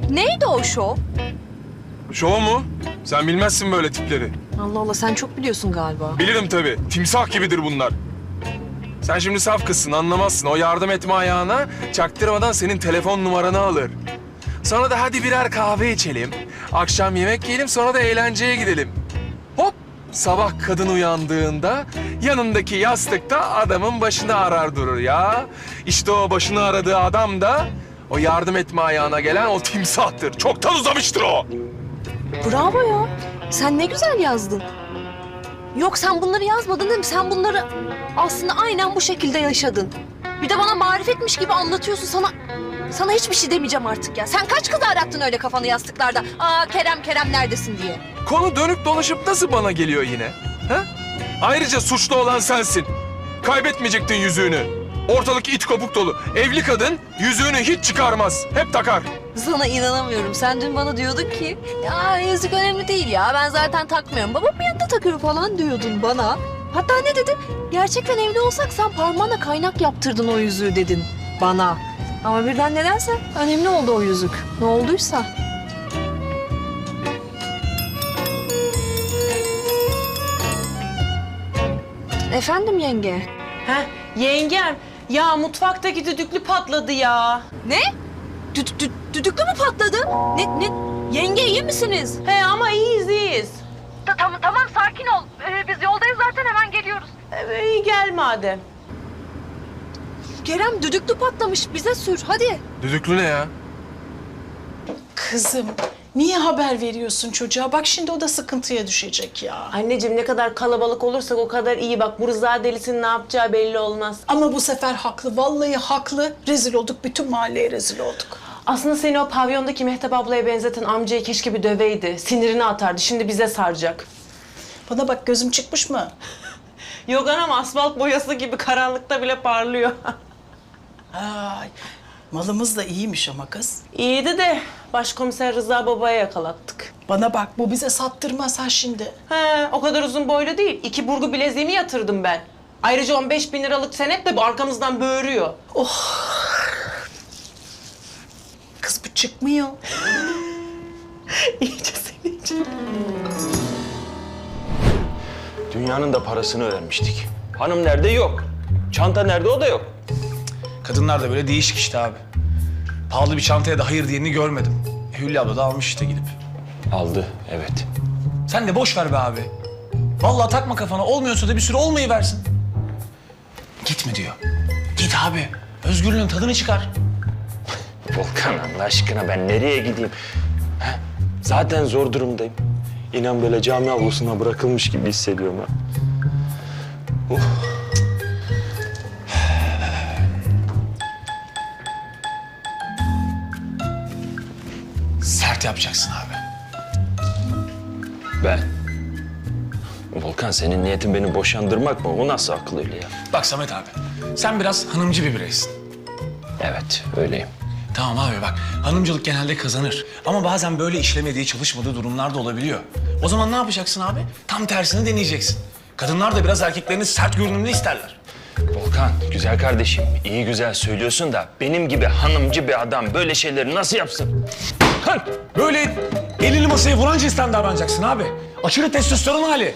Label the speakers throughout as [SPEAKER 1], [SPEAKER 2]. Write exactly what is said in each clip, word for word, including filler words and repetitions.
[SPEAKER 1] Neydi o şov?
[SPEAKER 2] Şov mu? Sen bilmezsin böyle tipleri.
[SPEAKER 1] Allah Allah, sen çok biliyorsun galiba.
[SPEAKER 2] Bilirim tabii. Timsah gibidir bunlar. Sen şimdi saf kızsın, anlamazsın. O yardım etme ayağına çaktırmadan senin telefon numaranı alır. Sonra da hadi birer kahve içelim. Akşam yemek yiyelim, sonra da eğlenceye gidelim. Hop! Sabah kadın uyandığında yanındaki yastıkta adamın başını arar durur ya. İşte o başını aradığı adam da o yardım etme ayağına gelen o timsahtır. Çoktan uzamıştır o.
[SPEAKER 1] Bravo ya. Sen ne güzel yazdın. Yok, sen bunları yazmadın değil mi? Sen bunları aslında aynen bu şekilde yaşadın. Bir de bana marifetmiş gibi anlatıyorsun. Sana sana hiçbir şey demeyeceğim artık ya. Sen kaç kız arattın öyle kafanı yastıklarda? Aa Kerem, Kerem neredesin diye.
[SPEAKER 2] Konu dönüp dolaşıp nasıl bana geliyor yine? Ha? Ayrıca suçlu olan sensin. Kaybetmeyecektin yüzüğünü. Ortalık it kopuk dolu. Evli kadın yüzüğünü hiç çıkarmaz. Hep takar.
[SPEAKER 1] Sana inanamıyorum. Sen dün bana diyordun ki ya yüzük önemli değil ya. Ben zaten takmıyorum. Babamın yanında takıyor falan diyordun bana. Hatta ne dedin? Gerçekten evli olsak sen parmağına kaynak yaptırdın o yüzüğü dedin bana. Ama birden nedense önemli oldu o yüzük. Ne olduysa. Efendim yenge.
[SPEAKER 3] Heh, yengem. Ya mutfaktaki düdüklü patladı ya.
[SPEAKER 1] Ne? Dü dü düdüklü mü patladı? Ne ne? Yenge iyi misiniz?
[SPEAKER 3] He ama iyiyiz iyiyiz.
[SPEAKER 1] Ta tamam tamam sakin ol. Ee, biz yoldayız zaten, hemen geliyoruz.
[SPEAKER 3] Ee, iyi gel madem.
[SPEAKER 1] Kerem düdüklü patlamış, bize sür hadi.
[SPEAKER 2] Düdüklü ne ya?
[SPEAKER 4] Kızım, niye haber veriyorsun çocuğa? Bak şimdi o da sıkıntıya düşecek ya.
[SPEAKER 3] Anneciğim ne kadar kalabalık olursak o kadar iyi. Bak bu Rıza delisinin ne yapacağı belli olmaz.
[SPEAKER 4] Ama bu sefer haklı, vallahi haklı. Rezil olduk, bütün mahalleye rezil olduk.
[SPEAKER 3] Aslında seni o pavyondaki Mehtap ablaya benzeten amcayı keşke bir döveydi. Sinirini atardı. Şimdi bize saracak.
[SPEAKER 4] Bana bak, gözüm çıkmış mı?
[SPEAKER 3] Yok anam, asfalt boyası gibi karanlıkta bile parlıyor.
[SPEAKER 4] Ay, malımız da iyiymiş ama kız.
[SPEAKER 3] İyiydi de başkomiser Rıza babaya yakalattık.
[SPEAKER 4] Bana bak, bu bize sattırmaz ha şimdi.
[SPEAKER 3] He, o kadar uzun boylu değil. İki burgu bileziğimi yatırdım ben. Ayrıca on beş bin liralık senet de bu arkamızdan böğürüyor.
[SPEAKER 4] Kız bu çıkmıyor.
[SPEAKER 3] İyice senin için.
[SPEAKER 5] Dünyanın da parasını öğrenmiştik. Hanım nerede? Yok. Çanta nerede? O da yok.
[SPEAKER 6] Kadınlar da böyle değişik işte abi. Pahalı bir çantaya da hayır diyeni görmedim. E, Hülya abla da almış işte gidip.
[SPEAKER 5] Aldı, evet.
[SPEAKER 6] Sen de boş ver be abi. Vallahi takma kafana. Olmuyorsa da bir süre olmayı versin. Gitme diyor. Git abi. Özgürlüğün tadını çıkar.
[SPEAKER 5] Volkan Allah aşkına ben nereye gideyim? He? Zaten zor durumdayım. İnan böyle cami avlusuna bırakılmış gibi hissediyorum ha. Uh.
[SPEAKER 6] Sert yapacaksın abi.
[SPEAKER 5] Ben. Volkan senin niyetin beni boşandırmak mı? O nasıl akıl öyle ya?
[SPEAKER 6] Bak Samet abi. Sen biraz hanımcı bir bireysin.
[SPEAKER 5] Evet, öyleyim.
[SPEAKER 6] Tamam abi bak. Hanımcılık genelde kazanır. Ama bazen böyle işlemediği, çalışmadığı durumlar da olabiliyor. O zaman ne yapacaksın abi? Tam tersini deneyeceksin. Kadınlar da biraz erkeklerini sert görünümlü isterler.
[SPEAKER 5] Volkan, güzel kardeşim. iyi güzel söylüyorsun da benim gibi hanımcı bir adam böyle şeyleri nasıl yapsın?
[SPEAKER 6] Kan böyle elini masaya vuran cinsten davranacaksın abi. Aşırı testosteron hali.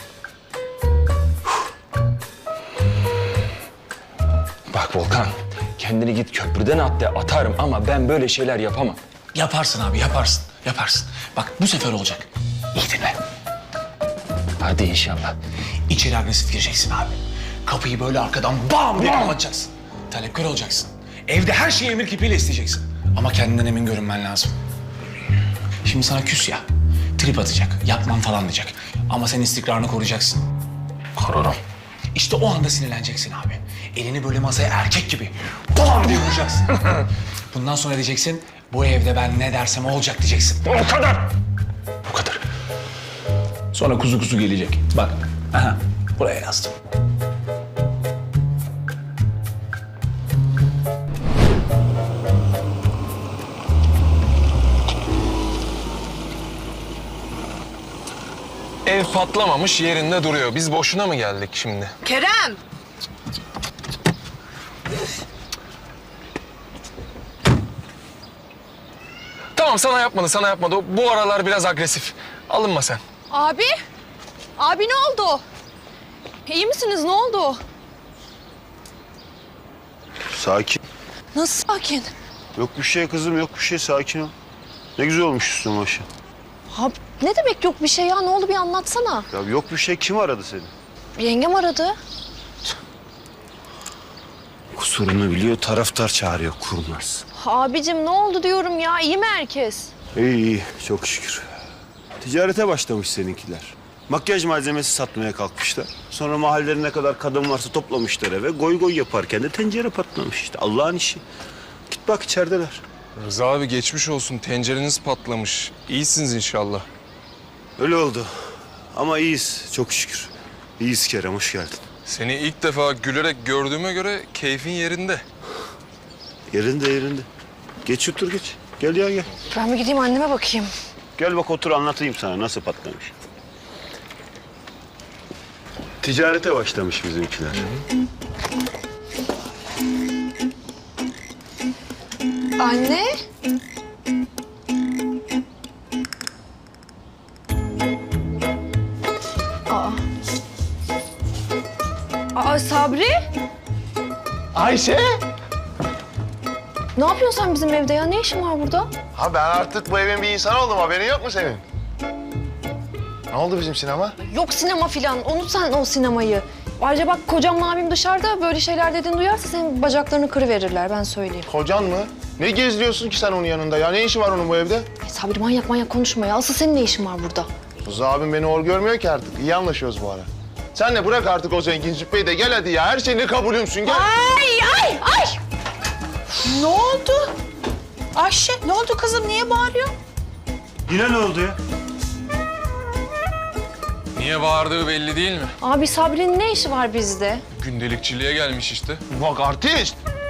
[SPEAKER 5] Bak Volkan, kendini git köprüden at de atarım ama ben böyle şeyler yapamam.
[SPEAKER 6] Yaparsın abi, yaparsın, yaparsın. Bak bu sefer olacak. İyi dinle.
[SPEAKER 5] Hadi inşallah.
[SPEAKER 6] İçeri agresif gireceksin abi. Kapıyı böyle arkadan bam diye kapatacaksın. Talepkar olacaksın. Evde her şeyi emir kipiyle isteyeceksin. Ama kendinden emin görünmen lazım. Şimdi sana küs ya. Trip atacak, yapmam falan diyecek. Ama sen istikrarını koruyacaksın.
[SPEAKER 5] Korurum.
[SPEAKER 6] İşte o anda sinirleneceksin abi. Elini böyle masaya erkek gibi bam diye vuracaksın. Bundan sonra diyeceksin, bu evde ben ne dersem olacak diyeceksin.
[SPEAKER 5] O kadar. O kadar.
[SPEAKER 6] Sonra kuzu kuzu gelecek. Bak, aha, buraya yazdım.
[SPEAKER 2] Ev patlamamış, yerinde duruyor. Biz boşuna mı geldik şimdi?
[SPEAKER 1] Kerem!
[SPEAKER 2] Tamam sana yapmadı, sana yapmadı. O bu aralar biraz agresif. Alınma sen.
[SPEAKER 1] Abi. Abi ne oldu? İyi misiniz? Ne oldu?
[SPEAKER 7] Sakin.
[SPEAKER 1] Nasıl sakin?
[SPEAKER 7] Yok bir şey kızım, yok bir şey. Sakin ol. Ne güzel olmuş üstüne başı.
[SPEAKER 1] Abi ne demek yok bir şey ya? Ne oldu bir anlatsana.
[SPEAKER 7] Ya yok bir şey. Kim aradı seni?
[SPEAKER 1] Yengem aradı.
[SPEAKER 7] Kusurunu biliyor, taraftar çağırıyor, kurnaz.
[SPEAKER 1] Abicim ne oldu diyorum ya? İyi mi herkes?
[SPEAKER 7] İyi iyi, çok şükür. Ticarete başlamış seninkiler. Makyaj malzemesi satmaya kalkmışlar. Sonra mahallede ne kadar kadın varsa toplamışlar eve. Goy goy yaparken de tencere patlamış işte. Allah'ın işi. Git bak içerideler.
[SPEAKER 2] Rıza abi geçmiş olsun. Tencereniz patlamış. İyisiniz inşallah.
[SPEAKER 7] Öyle oldu. Ama iyiyiz, çok şükür. İyiyiz Kerem, hoş geldin.
[SPEAKER 2] Seni ilk defa gülerek gördüğüme göre keyfin yerinde.
[SPEAKER 7] Yerinde yerinde. Geç otur geç. Gel ya gel.
[SPEAKER 1] Ben bir gideyim anneme bakayım.
[SPEAKER 7] Gel bak otur anlatayım sana nasıl patlamış. Ticarete başlamış bizimkiler.
[SPEAKER 1] Anne. Aa. Aa Sabri.
[SPEAKER 8] Ayşe!
[SPEAKER 1] Ne yapıyorsun sen bizim evde ya? Ne işin var burada?
[SPEAKER 8] Ha ben artık bu evin bir insanı oldum. Haberin yok mu senin? Ne oldu bizim sinema?
[SPEAKER 1] Yok sinema filan. Unut sen o sinemayı. Ayrıca bak kocamla abim dışarıda böyle şeyler dediğini duyarsa senin bacaklarını kırıverirler ben söyleyeyim.
[SPEAKER 8] Kocan mı? Ne geziyorsun ki sen onun yanında ya? Ne işi var onun bu evde?
[SPEAKER 1] Ay Sabri manyak manyak konuşma ya. Asıl senin ne işin var burada?
[SPEAKER 8] Rıza abim beni hor görmüyor ki artık. İyi anlaşıyoruz bu ara. Sen de bırak artık o zengin züppeyi de gel hadi ya. Her şeyini kabulümsün gel.
[SPEAKER 4] Ay ay ay! Ne oldu? Ayşe ne oldu kızım? Niye bağırıyor?
[SPEAKER 7] Yine ne oldu ya?
[SPEAKER 2] Niye bağırdığı belli değil mi?
[SPEAKER 1] Abi Sabri'nin ne işi var bizde?
[SPEAKER 2] Gündelikçiliğe gelmiş işte.
[SPEAKER 8] Bak artist.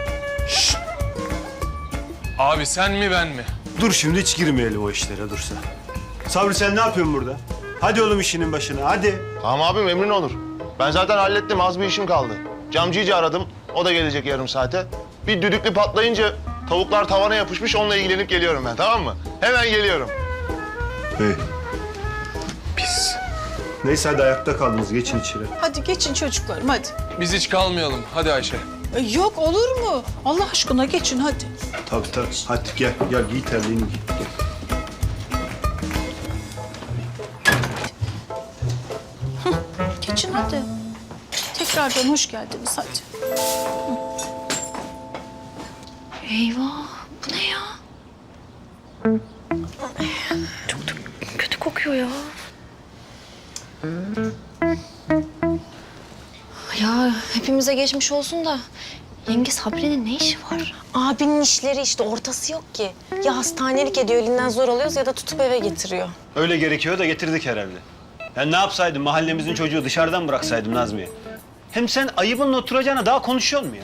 [SPEAKER 2] Abi sen mi ben mi?
[SPEAKER 7] Dur şimdi hiç girmeyelim o işlere dursa. Sabri sen ne yapıyorsun burada? Hadi oğlum işinin başına hadi.
[SPEAKER 8] Tamam abim emrin olur. Ben zaten hallettim. Az bir işim kaldı. Camcıyı aradım. O da gelecek yarım saate. Bir düdüklü patlayınca tavuklar tavana yapışmış. Onunla ilgilenip geliyorum ben, tamam mı? Hemen geliyorum.
[SPEAKER 7] Hey. Pis. Neyse hadi ayakta kaldınız geçin içeri.
[SPEAKER 4] Hadi geçin çocuklarım hadi.
[SPEAKER 2] Biz hiç kalmayalım. Hadi Ayşe.
[SPEAKER 4] E, Yok olur mu? Allah aşkına geçin hadi.
[SPEAKER 7] Tabii tabii. Hadi gel gel giy terliğini giy. Gel.
[SPEAKER 4] Geçin hadi. Tekrardan hoş geldiniz hadi.
[SPEAKER 1] Eyvah bu ne ya? Çok da kötü kokuyor ya. Ya hepimize geçmiş olsun da yenge Sabri'nin ne işi var?
[SPEAKER 9] Abinin işleri işte ortası yok ki. Ya hastanelik ediyor elinden zor alıyoruz ya da tutup eve getiriyor.
[SPEAKER 7] Öyle gerekiyor da getirdik herhalde. Ben ne yapsaydım mahallemizin çocuğu dışarıdan bıraksaydım Nazmiye. Hem sen ayıbınla oturacağına daha konuşuyor mu ya?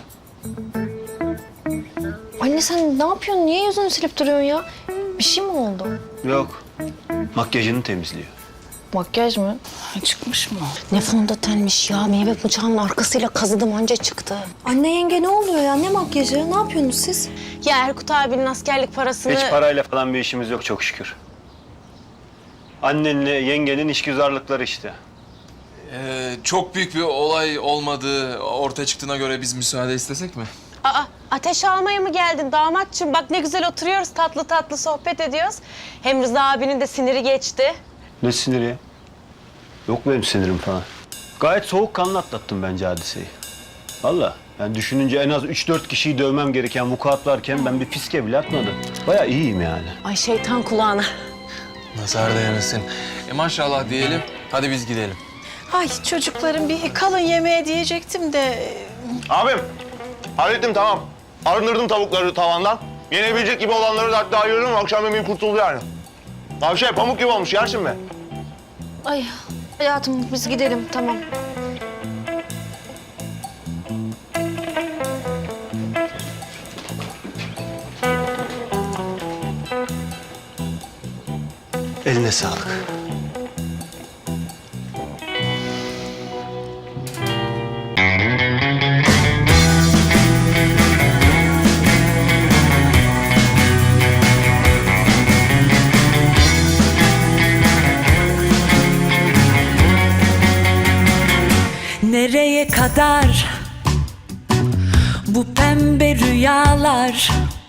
[SPEAKER 1] Anne sen ne yapıyorsun? Niye yüzünü silip duruyorsun ya? Bir şey mi oldu?
[SPEAKER 7] Yok. Makyajını temizliyor.
[SPEAKER 1] Makyaj mı?
[SPEAKER 4] Çıkmış mı?
[SPEAKER 9] Ne fondötenmiş ya. Meyve bıçağının arkasıyla kazıdım anca çıktı.
[SPEAKER 1] Anne yenge ne oluyor ya? Ne makyajı? Ne yapıyorsunuz siz?
[SPEAKER 9] Ya Erkut abinin askerlik parasını...
[SPEAKER 7] Hiç parayla falan bir işimiz yok çok şükür. Annenle yengenin işgüzarlıkları işte.
[SPEAKER 2] Ee, çok büyük bir olay olmadığı ortaya çıktığına göre biz müsaade istesek mi?
[SPEAKER 9] Aa, ateş almaya mı geldin damatçım? Bak ne güzel oturuyoruz, tatlı tatlı sohbet ediyoruz. Hem Rıza abinin de siniri geçti.
[SPEAKER 7] Ne siniri ya? Yok benim sinirim falan. Gayet soğukkanlı atlattım bence hadiseyi. Vallahi yani düşününce en az üç dört kişiyi dövmem gereken vukuat varken ben bir fiske bile atmadım. Bayağı iyiyim yani.
[SPEAKER 9] Ay şeytan kulağına.
[SPEAKER 2] Nazar değmesin. E maşallah diyelim. Hadi biz gidelim.
[SPEAKER 4] Ay çocuklarım bir kalın yemeğe diyecektim de...
[SPEAKER 8] Abim, hallettim tamam. Arındırdım tavukları tavandan. Yenebilecek gibi olanları da hatta ayırdım. Akşam yemeğim kurtuldu yani. Abi şey pamuk gibi olmuş, yersin mi?
[SPEAKER 1] Ay hayatım biz gidelim tamam.
[SPEAKER 7] Eline sağlık.
[SPEAKER 10] Nereye kadar bu pembe rüyalar?